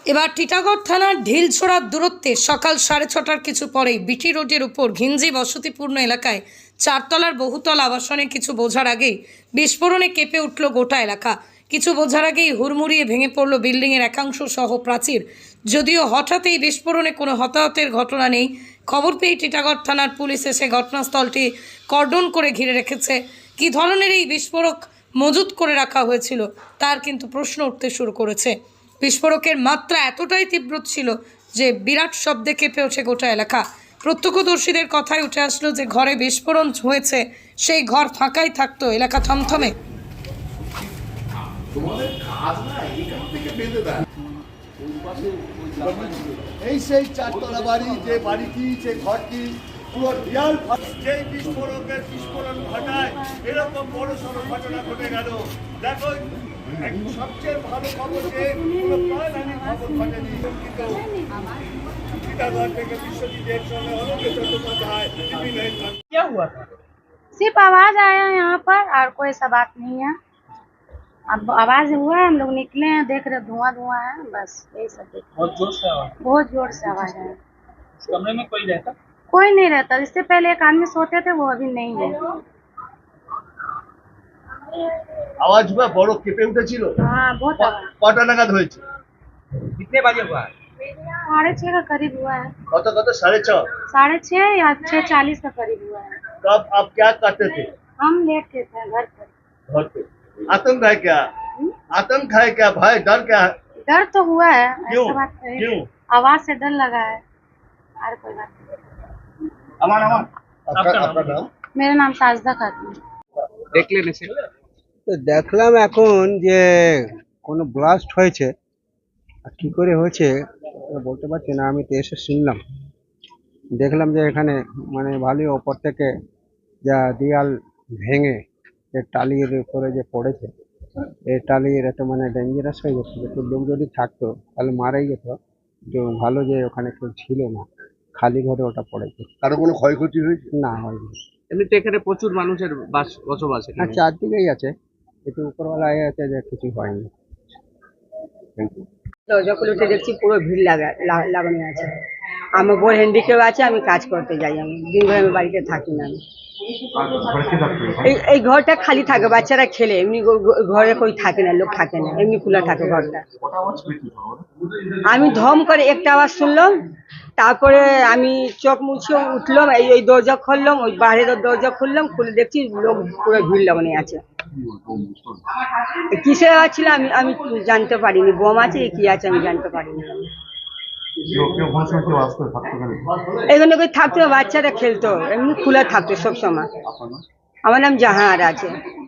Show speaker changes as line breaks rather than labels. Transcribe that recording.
এবার টিটাগড় থানার ঢিলছোড়ার দূরত্বে সকাল 6:30টার কিছু পরেই বিটি রোডের উপর ঘিঞ্জি বসতিপূর্ণ এলাকায় চারতলার বহুতল আবাসনে কিছু বোঝার আগেই বিস্ফোরণে কেঁপে উঠল গোটা এলাকা। কিছু বোঝার আগেই হুড়মুড়িয়ে ভেঙে পড়ল বিল্ডিংয়ের একাংশ সহ প্রাচীর। যদিও হঠাৎ এই বিস্ফোরণে কোনো হতাহতের ঘটনা নেই। খবর পেয়ে টিটাগড় থানার পুলিশ এসে ঘটনাস্থলটি কর্ডন করে ঘিরে রেখেছে। কী ধরনের এই বিস্ফোরক মজুত করে রাখা হয়েছিল তার কিন্তু প্রশ্ন উঠতে শুরু করেছে। বিস্ফোরকের মাত্রা এতটাই তীব্র ছিল যে বিরাট শব্দে কেঁপে ওঠে গোটা এলাকা। প্রত্যক্ষদর্শীদের কথায় উঠে আসলো যে ঘরে বিস্ফোরণ হয়েছে সেই ঘর ফাঁকাই থাকতো, এলাকা থমথমে।
এই সেই চারতলা বাড়ি, যে বাড়িটি, যে ঘরটি পুরো দেয়াল যে বিস্ফোরণ ঘটায় এরকম বড় সড় ঘটনা ঘটে গেল। দেখো, সবচেয়ে ভালো খবর যে কোনো প্রাণহানির খবর ঘটেনি। কিন্তু টিটাগড় থেকে বিশ্বজিতের সঙ্গে অলোক চট্টোপাধ্যায়
क्या हुआ था?
सिर्फ आवाज आया यहाँ पर और कोई सा बात नहीं है। अब आवाज हुआ है, हम लोग निकले हैं, देख रहे धुआं धुआं है, बस यही सब देख रहे हैं।
बहुत जोर से आवाज।
बहुत जोर से आवाज है।
इस कमरे में कोई रहता?
कोई नहीं रहता। इससे पहले एक आदमी सोते थे, वो अभी नहीं है।
আওয়াজ বা বড় কেঁপে উঠেছিল।
हाँ, बहुत आवाज।
কটা নাগাদ হয়েছে?
कितने बजे हुआ?
6:30 का करीब हुआ है।
কত 6:30?
6:30 या 6:40 का करीब हुआ है।
तब आप क्या करते थे?
हम लेट के थे घर पर।
घर पे आतंक है क्या? आतंक है क्या? भय, डर क्या है?
डर तो हुआ है,
क्यों?
ऐसा बात नहीं है।
क्यों?
आवाज से डर लगा है और कोई बात नहीं।
अमान अमान
আপনার নাম?
मेरा नाम साजदा खातून।
দেখলেন এসে?
তো দেখলাম এখন যে কোনো ব্লাস্ট হয়েছে, আর কি করে হয়েছে ওটা বলতে পারছি না। আমি তো এসে শুনলাম, দেখলাম যে এখানে মানে ভালোই ওপর থেকে যা দেয়াল ভেঙে যে টালির উপরে যে পড়েছে, এই টালির এত মানে ডেঞ্জারাস হয়ে গেছে। একটু লোক যদি থাকতো তাহলে মারাই যেত। তো ভালো যে ওখানে কেউ ছিল না, খালি ঘরে ওটা পড়েছে।
কারো কোনো ক্ষয়ক্ষতি হয়েছে?
না হয়নি।
এমনিতে এখানে প্রচুর মানুষের বসবাস।
আর চারদিকেই আছে, একটু উপরওয়ালায় আছে যে কিছু হয়নি।
দরজা খুলে উঠে দেখছি পুরো ভিড় লাগানো আছে। আমার বোর হ্যান্ডিক্যাপ আছে, আমি কাজ করতে যাই। আমি দিন ভরে আমি বাড়িতে থাকি না। এই ঘরটা খালি থাকে, বাচ্চারা খেলে, এমনি ঘরে কই থাকে না, লোক থাকে না, এমনি খোলা থাকে ঘরটা। আমি ধম করে একটা আওয়াজ শুনলাম, তারপরে আমি চোখ মুছে উঠলাম, এই দরজা খুললাম, ওই বাইরের দরজা খুললাম, খুলে দেখছি লোক পুরো ভিড় লাগানো আছে। কিসের আওয়াজ ছিল আমি জানতে পারিনি। বোম আছে কি আছে আমি জানতে পারিনি। এখানে কই থাকতো, বাচ্চারা খেলতো, এমনি খোলা থাকতো সব সময়। আমার নাম জাহার আছে।